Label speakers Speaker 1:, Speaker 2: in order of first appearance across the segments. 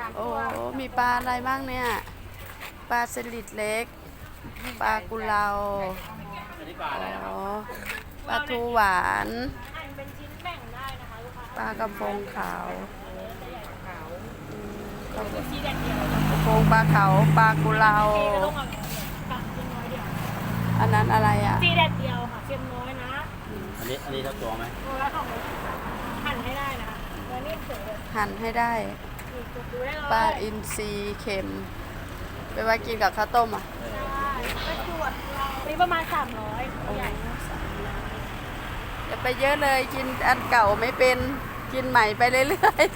Speaker 1: โอ้มีปลาอะไรบ้างเนี่ยปลาสลิดเล็กปลากุเลาอ๋อปลาทูหวานปลากระพงขาวกระพงปลาเขาปลากุเลาอันนั้นอะไรอ่ะ
Speaker 2: จีแดดเดียวค่ะเค็มน้อยนะ
Speaker 3: อันนี้เท่าตัวไหม
Speaker 2: ตัวละหั่นให้ได้นะคะแล้วนี่เสือ
Speaker 1: หั่นให้ได้ปลาอินทรีเค็มไปไว้กินกับข้าวต้มอ่ะ
Speaker 2: นี่ประมาณ300ใหญ่
Speaker 1: อย่าไปเยอะเลยกินอันเก่าไม่เป็นกินใหม่ไปเรื่อย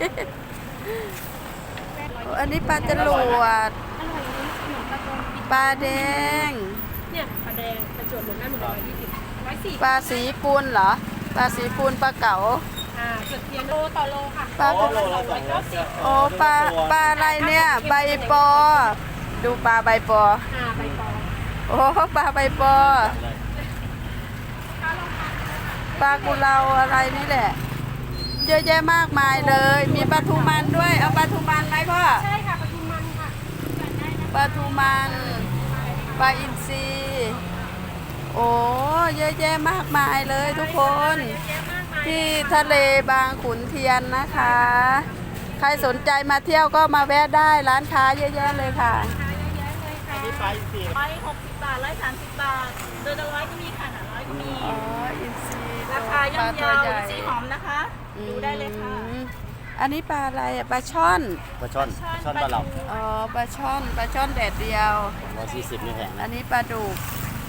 Speaker 1: ๆอันนี้ปลาจรวดปลาแดง
Speaker 2: เนี่ยปลาแดงปลาจรวดหมดได้หมด120 140
Speaker 1: ปลาสีปูนเหรอปลาสีปูนปลาเก๋า
Speaker 2: เกือบเทียนโลต่อโลค่ะ
Speaker 1: ปลา
Speaker 3: โลละ290
Speaker 1: โอ้ปลาอะไรเนี่ยใบปอดูปลาใบปอ
Speaker 2: ใบปอ
Speaker 1: โอ้ปลาใบปอปลากุเลาอะไรนี่แหละเยอะแยะมากมายเลยมีปลาทูมันด้วยเอาปลาทูมันไหมพ่อ
Speaker 2: ใช่ค่ะปลาทูมันค่ะ
Speaker 1: ปลาทูมันปลาอินทรีโอ้เยอะแยะมากมายเลยทุกคนที่ทะเลบางขุนเทียนนะคะใครสนใจมาเที่ยวก็มาแวะได้ร้านค้าเยอะแยะเลยค่ะ
Speaker 3: อันนี้ปลาอินทรี
Speaker 2: ไป60 บาท130 บาทโดยละ100ก็มีค่ะ100ก็มี
Speaker 1: อ๋ออินทรี
Speaker 2: ราคาย่อมเยาอินทรีหอมนะคะดูได้เลยค่ะ
Speaker 1: อันนี้ปลาอะไรอ่ะปลาช่อน
Speaker 3: ปลาช่อนปลาเหลา
Speaker 1: อ๋อปลาช่อนแดดเดียว
Speaker 3: 140นี่แพง
Speaker 1: อันนี้ปลาดุก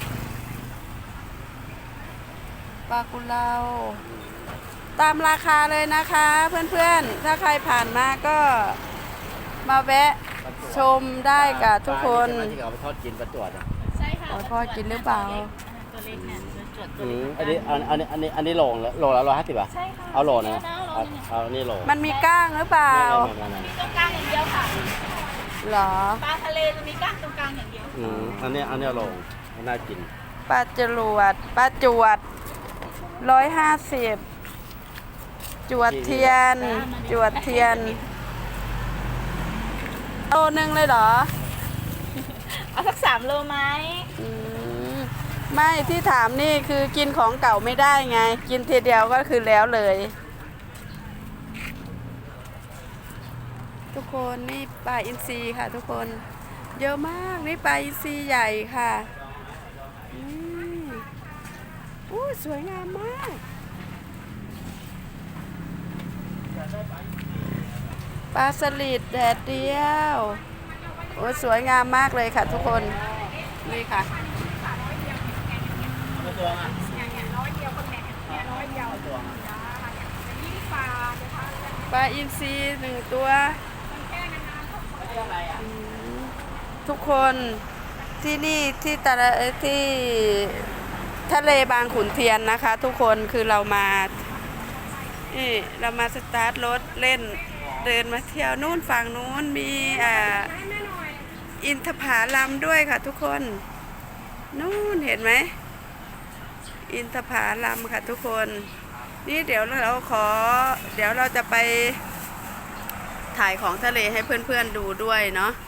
Speaker 1: ปลากุเลาตามราคาเลยนะคะเพื่อนๆถ้าใครผ่านมาก็มาแวะชมได้กับทุกคน
Speaker 3: ที่เขาไปทอดกินปลาจวด
Speaker 2: ใช่ค่ะ
Speaker 1: ทอดกินหรือเปล่า
Speaker 2: ตัวเล็กเนี่ยจวด
Speaker 3: อันนี้โลละ150บาท
Speaker 2: ใช่ค่ะ
Speaker 3: เอาโลนะเอานี่โล
Speaker 1: มันมีก้างหรือเปล่า
Speaker 2: มีตรงกลางอย่างเดียวค่ะ
Speaker 1: หรอ
Speaker 2: ปลาทะเลจะมีก้างตรงกลางอย่างเดียว
Speaker 3: อันนี้โลน่ากิน
Speaker 1: ปลาจรวด150จวดเทียนโลนึงเลยเหรอ
Speaker 2: เอาสัก3 โลไหม
Speaker 1: ไม่ที่ถามนี่คือกินของเก่าไม่ได้ไงกินทีเดียวก็คือแล้วเลยทุกคนนี่ปลาอินทรีค่ะทุกคนเยอะมากนี่ปลาอินทรีใหญ่ค่ะอู้สวยงามมากปลาสลิดแดดเดียวโอ้สวยงามมากเลยค่ะทุกคนนี่ค่ะปลาอินทรี1 ตัวทุกคนที่นี่ที่ทะเลบางขุนเทียนนะคะทุกคนคือเรามาสตาร์ทรถเล่นเดินมาเที่ยวนู่นฝั่งนู้นมีอินทผลัมด้วยค่ะทุกคนนู่นเห็นไหมอินทผลัมค่ะทุกคนนี่เดี๋ยวเราจะไปถ่ายของทะเลให้เพื่อนๆดูด้วยเนาะ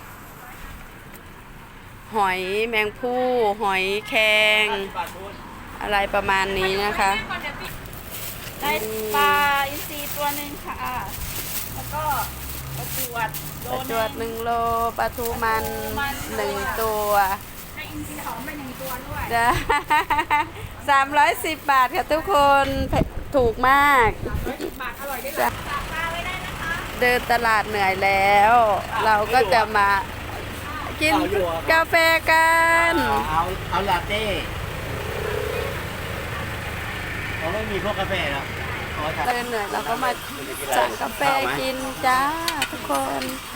Speaker 1: หอยแมงผู้หอยแครงอะไรประมาณนี้นะคะ
Speaker 2: ได้ปลาอินทรีตัวหนึ่งค่ะแล้วก็ปลาจวด
Speaker 1: 1 โลปลาทูมัน1 ตัว
Speaker 2: ให้อินทรีหอมไป1 ตัวด้วย
Speaker 1: 310 บาทค่ะทุกคนถูกมาก
Speaker 2: บาทอร่อยด้วยราคาไว้ได้นะคะ
Speaker 1: เดินตลาดเหนื่อยแล้วเราก็จะมากินกาแฟกัน
Speaker 3: เอาลาเต้เขาไม่มีพวกกาแฟแล้ว
Speaker 1: เดินเหนื่อยเราก็มาสั่งกาแฟกินจ้าทุกคน